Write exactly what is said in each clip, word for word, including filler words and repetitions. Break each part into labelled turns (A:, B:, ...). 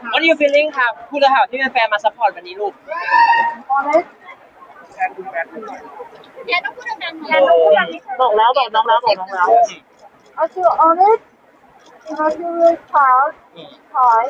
A: What are you feeling ครับพูดเลยค่ะที่เป็นแฟนมาซัพพอร์ตวันนี้ลูก
B: honest
C: แทนคุณแฟนคุณหน่อย
D: แกต้องพูดดังๆหน่
B: แก
D: อย
B: ต้องพูดแบบนี้บอกแล้วบอกน้องแล้วบอกน้องแล้ว I feel honest and I feel really proud pride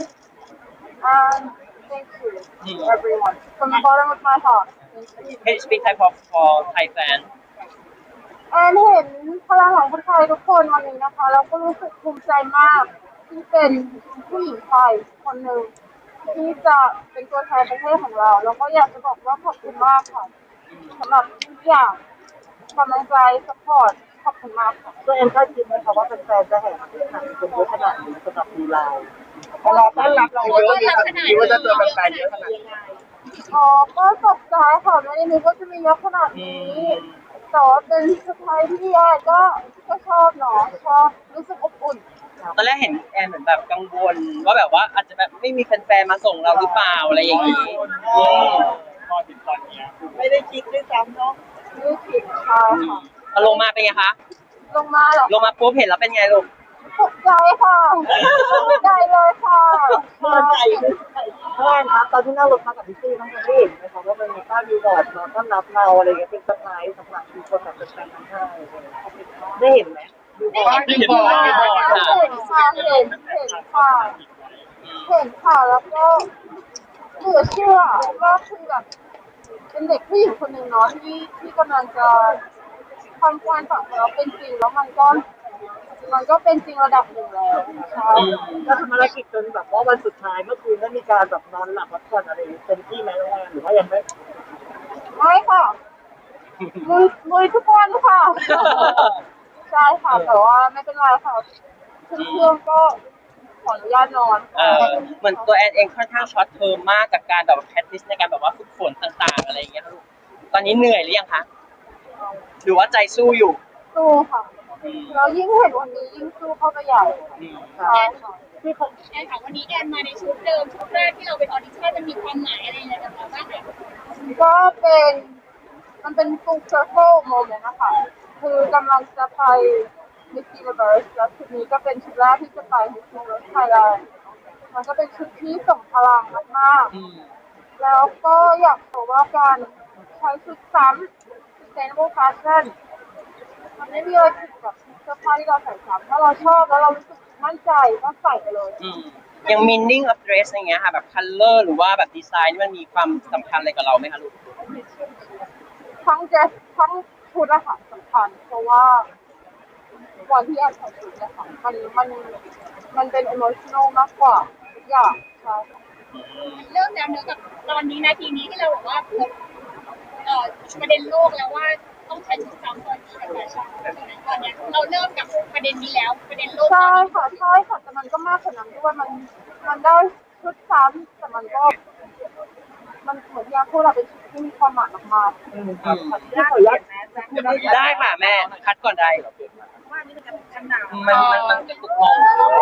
B: and thank you to everyone from the bottom of my heart
A: Can you speak Thai for for Thai fan
B: แอนเห็นพลังของคนไทยทุกคนวันนี้นะคะแล้วก็รู้สึกภูมิใจมากที่เป็นผู้หญิงไทยคนหนึ่งที่จะเป็นตัวแทนประเทศของเราแล้วก็อยากจะบอกว่าขอบคุณมากค่ะสำหรับทุกอย่างกำลังใจสปอร์ตขอบคุณมากค่ะตัวเองคาดคิดไหมคะว่าเป็นแฟนจะแห่มาที่สนามเป็นเยอะขนาดนี้สำหรับดูไลน์พอเราต้อนรับเราเยอะคิดว่าจะเจอแฟนเยอะขนาดนี้อ๋อก็ตกใจค่ะไม่ได้นึกว่าจะมีเยอะขนาดนี้แต่ว่าเป็นสไตล์ที่แอนก็ก็ชอบเนาะชอบรู้สึกอบอุ่น
A: ตอนแรกเห็นแอนเหมือนแบบกังวลว่าแบบว่าอาจจะแบบไม่มีแฟนๆมาส่งเราหรือเปล่าอะไรอย่างนี้
C: พอถึงตอนนี้ไม่ได้คิดด้วยซ้ำเนาะ
B: ไม่ผิดค่ะค่ะ
A: พอลงมาเป็นไงคะ
B: ลงมาเหรอ
A: ลงมาปุ๊บเห็นแล้วเป็นไงลูก
B: ตกใจค่ะตกใจเลยค่ะ
C: เมื่อใจเพื่อนครับตอนที่นั่งรถมากับพี่ซี่น้องคนที่เห็นไหมครับว่ามันมีป้ายบิลบอร์ดมาต้อนรับเราอะไรเงี้ยเป็นเซอร์ไพรส์สำหรับคนแบบเป็นแฟนทั้งห้าได้เห็นไหมบิลบอร์ด
A: บิลบอร์ดบิลบอร์ด
B: เห็นค่ะเห็นเห็นค่ะเห็นค่ะแล้วก็เหลือเชื่อว่าคือแบบเป็นเด็กผู้หญิงคนหนึ่งเนาะที่ที่กำลังจะทำความฝันของเราเป็นจริงแล้วมันก็มันก็เป็นจริงระดับหนึ่งแล้วใช่
C: ก็ทำภารกิจจนแบบว่าวันสุดท้ายเมื่อคืนได้มีการแบบนอนหลับพักผ่อนอะไรเต็มที่ไหมน้องแอนหรือว่ายังไม่
B: ไม่ค่ะลุยลุยทุกวันค่ะใช่ค่ะแต่ว่าไม่เป็นไรค่ะเครื่องก็ขออนุญาตนอน
A: เออเหมือนตัวแอนเองค่อนข้างช็อตเทอมมากกับการแบบแพทติสในการแบบว่าฝึกฝนต่างๆอะไรอย่างเงี้ยลูกตอนนี้เหนื่อยหรือยังคะหรือว่าใจสู้อยู่
B: สู้ค่ะแล้วยิ่งเห็นวันนี้ยิ่งสู้เข้าไปใหญ่ใช่ค่ะ
D: ที่ผมแอนถามวันนี้แอนมาในชุดเดิมชุดแรกที่เราไปออดิชั่นมันมีความหมายอะไรอย่างเงี้ยกับเราบ้างไหม
B: ก็เป็นมันเป็น full circle moment นะคะคือกำลังจะไป Miss Universe แล้วชุดนี้ก็เป็นชุดแรกที่จะไป Miss Universe Thailand มันก็เป็นชุดที่ส่งพลังมากๆแล้วก็อยากบอกว่าการใช้ชุดซ้ำ sustainable fashion มันไม่มีอะไรผิดกับเสื้อผ้าที่เราใส่ซ้ำถ้าเราชอบแล้วเรารู้สึกมั่นใจก็ใส่ไปเลย
A: ยัง meaning of dress อย่างเงี้ยค่ะแบบ color หรือว่าแบบดีไซน์มันมีความสำคัญอะไรกับเราไหมคะลูก
B: ทั้งเดรสทั้งชุดอะค่ะสำคัญเพราะว่าวันที่แอนใส่ชุดเนี่ยค่ะมันมันมันเป็น emotional มากกว่าทุกอย่างใช่ค่ะ
D: เริ่มแล้วเนื้อกับตอนนี้นาทีนี้ที่เราบอกว่าพูดเอ่อประเด็นโลกแล้วว่าต้องใช้ชุดซ้ำตอนนี้ในแฟชั่นตอนเนี้ยเราเริ่มกับประเด็นนี้แล้วประเด็นโลก
B: ใช่ค่ะใช่ค่ะแต่มันก็มากกว่านั้นด้วยมันมันได้ชุดซ้ำแต่มันก็มันเหมือนที่อาพูดเราเป็นชุดที่มีความหมายมากๆ
C: ที่ขออนุญาต
A: ได้ค่ะแม่คัดก่อนได้
D: ว่านี่มันจะเป็นกันหนาว
A: มันมันมันจะตุกงง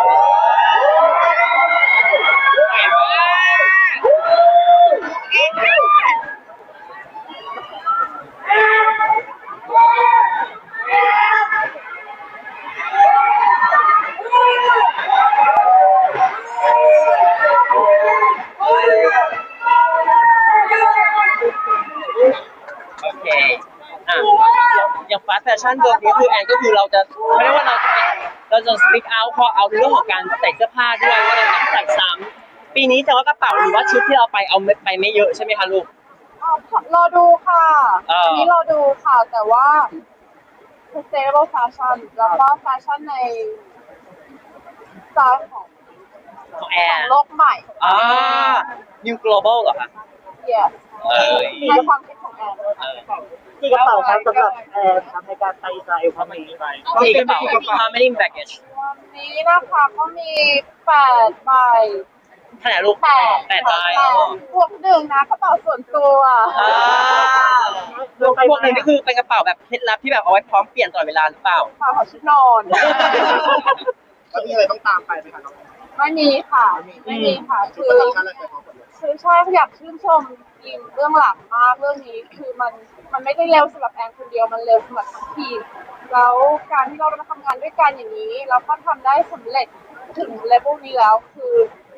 A: โอเคอ่ะอย่างฟาสต์แฟชั่นตัวนี้คือแอนก็คือเราจะไม่ได้ว่าเราจะเราจะ speak out พอเอาเรื่องของการใส่เสื้อผ้าด้วยว่าเราต้องใส่ซ้ำปีนี้แต่ว่ากระเป๋าหรือว่าชุดที่เราไปเอาไปไม่เยอะใช่ไหมคะลูก
B: อ๋อรอดูค่ะ
A: เอออั
B: อันนี้รอดูค่ะ แต่ว่า sustainable fashion แล้วก็แฟชั่นในสไตล์ของ
A: ของแอ
B: ของ
A: น
B: โลกใหม่
A: อ่า new global เหรอคะ
B: yes
A: เอ้ย
B: ในความคิดของแอน
A: เออ
C: ที่กระเป๋าครับสำหรับแอนทำในการไปอิสราเอลครั้งนี้
A: กี่กระเป๋า how many baggage
B: วันนี้นะคะก็มีแปดใบ
A: เท่าไหร่ลูก
B: แปด
A: แปดใบ
B: แปดบวกหนึ่งนะกระเป๋าส่วนตัว
A: อ่าพวกพวกนี้นี่คือเป็นกระเป๋าแบบเคล็ดลับที่แบบเอาไว้พร้อมเปลี่ยนตลอดเวลาหรือเปล่า
B: กระเป๋าชุดนอน
C: แล้วมีอะไรต้องตามไปไหมคะน้อง
B: ไม่มีค่ะ ไม่มีค่ะ คือ คือใช่อยากชื่นชมทีมเรื่องหลังมากเรื่องนี้คือมันมันไม่ได้เร็วสำหรับแอนคนเดียวมันเร็วสำหรับทั้งทีมแล้วการที่เรามาทำงานด้วยกันอย่างนี้เราก็ทำได้สำเร็จถึงเลเวลนี้แล้วคืออยาก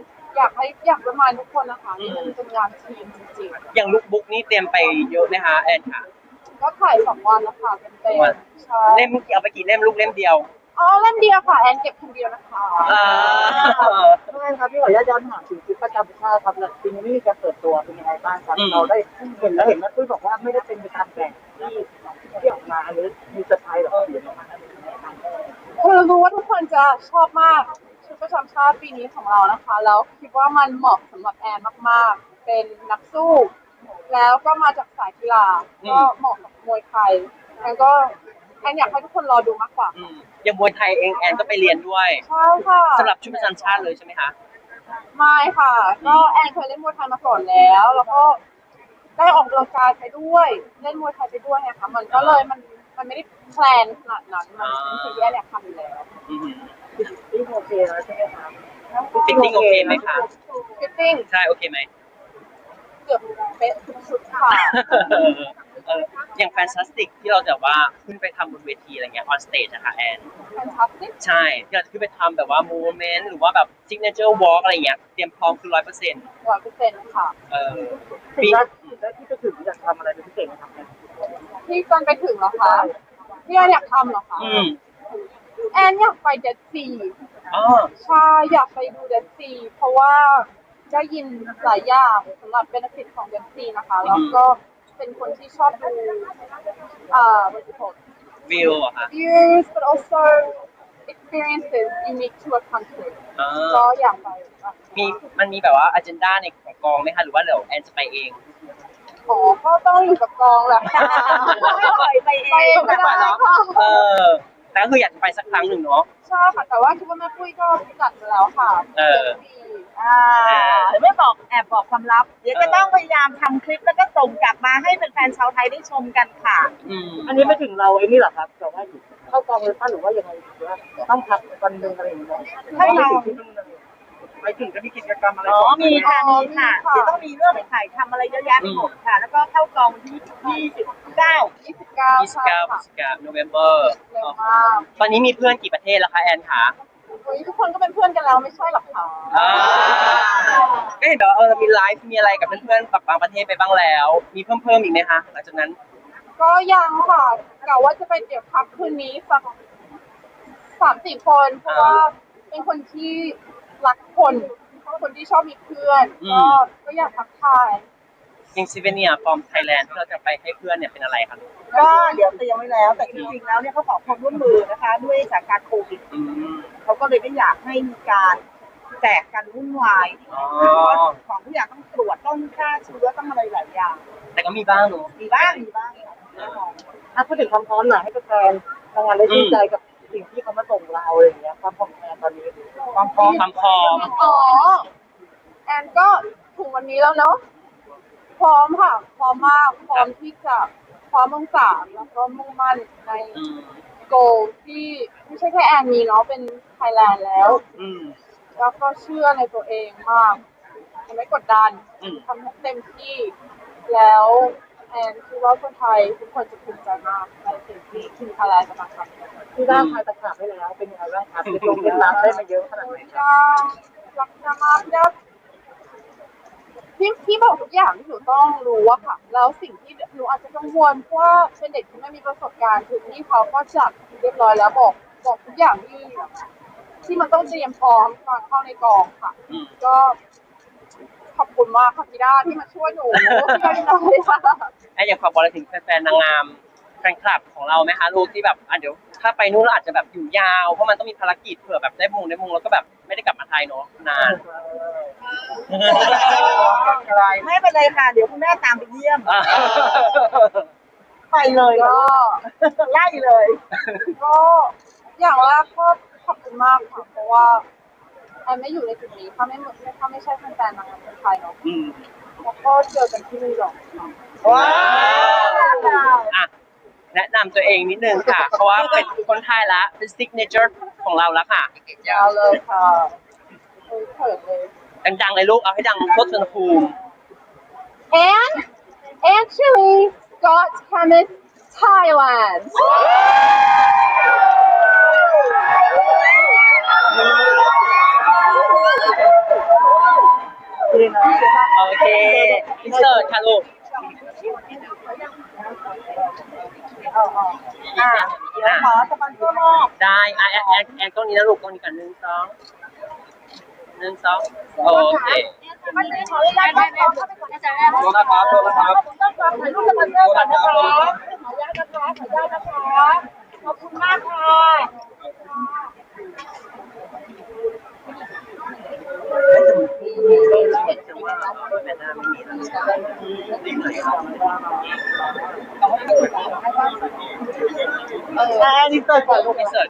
B: ากให้อยากประมาณทุกคนนะคะนี่มันเป็นงานทีมจริง
A: อย่างลุคบุ๊กนี่เตรียมไปเยอะไหมคะแอนค่ะ
B: ๆก็ถ่ายสองวันแล้วค่ะเป็นเต็มใช่
A: เล่มเอาไปกี่เล่มลูกเล่มเดียว
B: อ๋อเล่มเดียวค่ะแอนเก็บคนเดียวนะคะ
A: อ่า
C: ใช่ครับพี่ขออนุญาตย้อนถามถึงคลิปประจำชาติครับแล้วปีนี้ไม่มีการเปิดตัวเป็นยังไงบ้างครับเราได้เห็นแล้วเห็นแม่ปุ้ยบอกว่าไม่ได้เป็นไปตามแบบที่ที่ออกมาอันนี้มีเซอร์ไพรส์หรอ
B: คือรู้ว่าทุกคนจะชอบมากชุดประจำชาติปีนี้ของเรานะคะแล้วคิดว่ามันเหมาะสำหรับแอนมากๆ เป็นนักสู้ แล้วก็มาจากสายกีฬาก็เหมาะกับมวยไทยแอนก็แอนอยากให้ทุกคนรอดูมากกว่า
A: อืมอย่างมวยไทยเองแอนก็ไปเรียนด้วย
B: ใช่ค่ะ
A: สำหรับชุดประจำชาติเลยใช่ไหมคะ
B: ไม่ค่ะ ก็แอนเคยเล่นมวยไทยมาก่อนแล้ว แล้วก็ได้ออกกำลังกายไปด้วยเล่นมวยไทยไปด้วยไงคะมันก็เลยมันมันไม่ได้แพลนขนาดนั้นมันเป็นสิ่งที่แอนอยากทำอยู่แล้ว
A: อืม
C: ที่โอเคแล้วใช่ไหมครับ
A: ฟิตติ้งโอเคไหมคะ
B: ฟิตติ้ง
A: ใช่โอเคไหม
B: เกือบเป๊ะทุกชุดค่ะ
A: เอออย่างแฟนตาสติกที่เราแบบว่าขึ้นไปทำบนเวทีอะไรเงี้ยออนสเตจนะคะแอน
B: fantastic
A: ใช่ที่เราจะขึ้นไปทำแบบว่าโมเมนต์หรือว่าแบบซิกเนเจอร์วอล์กอะไรเงี้ยเตรียมพร้อมคือร้อยเปอร์เซ็นต์
B: ร้อยเปอร์เซ็นต์ค่ะ
A: เออ
C: สิ่
A: ปี
C: งแรกสิ่งแรกที่จะถึงอยากทำอะไรเป็นพิเศษไหมครับเนี่ย
B: ที่ตอนไปถึงเหรอคะที่แอนอยากทำเหรอคะ
A: อืม
B: แอนอยากไปเดดซี
A: อ๋อ
B: ใช่อยากไปดูเดดซีเพราะว่าได้ยินหลายอย่างสำหรับเบนฟิตของเดดซีนะคะแล้วก็เป็นคนที่ชอบดูเอ่อ what's it called
A: วิวอะค่ะ
B: views but also experiences unique to a country
A: อ่า
B: ก็อยากไปค่ะ
A: มีมันมีแบบว่าอ g e n d a ในของกองไหมคะหรือว่าเดี๋ยวแอนจะไปเอง
B: อ๋อก็ต้องอยู่กับกองแหละค่ะไม่ปล่อยไปเองไม่ได้ค่ะ
A: เออแต่ก็คืออยากจะไปสักครั้งหนึ่งเนาะ
B: ใช่ค่ะแต่ว่าคิดว่าแม่ปุ้ยก็จัดมาแล้วค่ะ
A: เออ
B: ดี
E: อ่าไม่บอกแอบบอกความลับ เดี๋ยวจะต้องพยายามทำคลิปแล้วก็ส่งกลับมาให้แฟนๆชาวไทยได้ชมกันค่ะ
A: อืม
C: อันนี้ไม่ถึงเราไอ้นี่หรอครับแต่ว่าเข้ากองเลยป้าหรือว่ายังไงหรือว่าต้องพักวันหนึ่งอะไรอย่างเงี้ย
E: ให้เรา
C: ไปถึงจะมีกิจกรรมอะไร
E: อ๋อมีค่ะ
B: อ๋อ
E: มีค่ะ
B: มีค่ะ
E: เดี๋ยวต้องมีเรื่องไปถ่ายทำอะไรเยอะแยะไปหมดค่ะ แล้วก็เข้ากองที่ยี่สิบเก้า
B: ยี่สิบเก้า
A: ยี่สิบ
B: ใช่
A: เก้าพฤ
B: ค่ะ
A: ศจิกายนโนเวมเบอร์
B: เร็วมาก
A: ตอนนี้มีเพื่อนกี่ประเทศแล้วคะแอนคะ
B: โอ้ยทุกคนก็เป็นเพื่อนกันแล้วไม่ใช่หรอคะ
A: อ่าก็เห็นแบบว่าเออมีไลฟ์มีอะไรกับเพื่อนๆจากบางประเทศไปบ้างแล้ว มีเพิ่มเพิ่มอีกไหมคะหลังจากนั้น
B: ก็ยังค่ะกะว่าจะไปเดี๋ยวพักคืนนี้สักสามสี่คนเพราะว่าเป็นคนที่รักคนคนที่ชอบมีเพื่อน
A: อื
B: ก็
A: ม
B: ก็อยากทักทาย
A: ยังซิเวเนียฟอร์มไทยแลนด์ที่เราจะไปให้เพื่อนเนี่ยเป็นอะไรคะ
E: ก็เดี๋ยวเตรียมไว้แล้ว แต่จริงๆแล้วเนี่ยเขาขอความร่วมมือนะคะ ด้วยสถานการณ์โควิด
A: อืม
E: เขาก็เลยไม่อยากให้มีการแจกกันวุ่นวาย
A: อ๋อ
E: เพราะว่าของทุกอย่างต้องตรวจต้องฆ่าเชื้อต้องอะไรหลายอย่าง
A: แต่ก็มีบ้างเนอะ
E: มีบ้างมีบ้างค่ะแน่นอน
C: อ่ะพูดถึงความพร้อมหน่อยให้แฟนๆทำงานได้ชื่นใจกับสิ่งที่เขามาส่งเราอะไรอย่างเงี้ยความพร้อมแฟนตอนนี้ความพร้อม
A: ความพร้อม
B: อ๋อแอนก็ถึงวันนี้แล้วเนาะพร้อมค่ะ พร้อมมากพร้อมที่จะพร้อมมุ่งสามแล้วก็มุ่งมั่นใน
A: อืม
B: โกที่ไม่ใช่แค่แอนมีเนาะเป็นไทยแลนด์แล้ว
A: อืม
B: แล้วก็เชื่อในตัวเองมากจะไม่กดดัน
A: อืม
B: ทำให้เต็มที่ แล้วแอนคิดว่าคนไทยทุกคนจะภูมิใจมากในสิ่งที่ทีมไทยแลนด์กำลังทำ
C: ที่ด้านทายตะขาบให้แล้วเป็นยังไงบ้างครับเป็นลงเป็นรับได้มาเยอะขนาดไหนครับ
B: จ้ารักนะมากจ้าที่ที่บอกทุกอย่างที่หนูต้องรู้อะค่ะ แล้วสิ่งที่หนูอาจจะกังวลเพราะว่าเป็นเด็กที่ไม่มีประสบการณ์คือที่เขาก็จัดเรียบร้อยแล้วบอกบอกทุกอย่างที่ที่มันต้องเตรียมพร้อมตอนเข้าในกองค่ะ
A: อืม
B: ก็ขอบคุณมากค่ะพี่ด้าที่มาช่วยหนูที่ได้น้อยค่ะ
A: แอนอยากฝากบอกอะไรถึงแฟนๆนางงามแฟนคลับของเราไหมคะลูกที่แบบอ่ะเดี๋ยวถ้าไปนู่นเราอาจจะแบบอยู่ยาวเพราะมันต้องมีภารกิจเผื่อแบบได้มงได้มงแล้วก็แบบไม่ได้กลับมาไทยเนาะนาน
E: ไม่เป็นไรค่ะ เดี๋ยวคุณแม่ตามไปเยี่ยม
A: อ่ะ
E: ไปเลย
B: ก็
E: ไล่เลย
B: ก็อย่างแรกก็ขอบคุณมากค่ะ เพราะว่าแอนไม่อยู่ในจุดนี้ถ้าไม่ถ้าไม่ใช่แฟนๆนางงามคนไทยเนาะ
A: อืม
B: แล้วก็เจอกันที่นิวยอร์กค่ะ
E: ว้าว
A: อ่ะแนะนำตัวเองนิดนึงค่ะ เพราะว่าเป็นคนไทยละเป็นซิกเนเจอร์ของเราแล้วค่ะ
B: ยาวเลยค่ะเฮ้ยเขินเลย
A: ดังๆเลยลูกเอาให้ดังทั่วสนภูมิ
B: and actually Scott Chemist Thailand
C: เลยนะ
A: โอเคอินเสิร์ตค่ะลูก
E: อ่ะเดี๋ยวขอสปอนเซอร์โลก
A: ได้อ่ะแอนแอนแอนกล้องนี้นะลูกกล้องนี้กันหนึ่งสองหนึ่งสองโอเค
B: มันเป็นขออนุญาตเข้าไปก่อนนะจ๊ะ
A: โทษนะครับโทษนะครับ
B: ต้องขอถ่ายรูปสปอนเซอร์ก่อนนะคะขออนุญาตนะคะขออนุญาตนะคะขอบคุณมากค่ะ
C: เออนี่เติร์ดก่อนลูก
A: อินเสิร์ต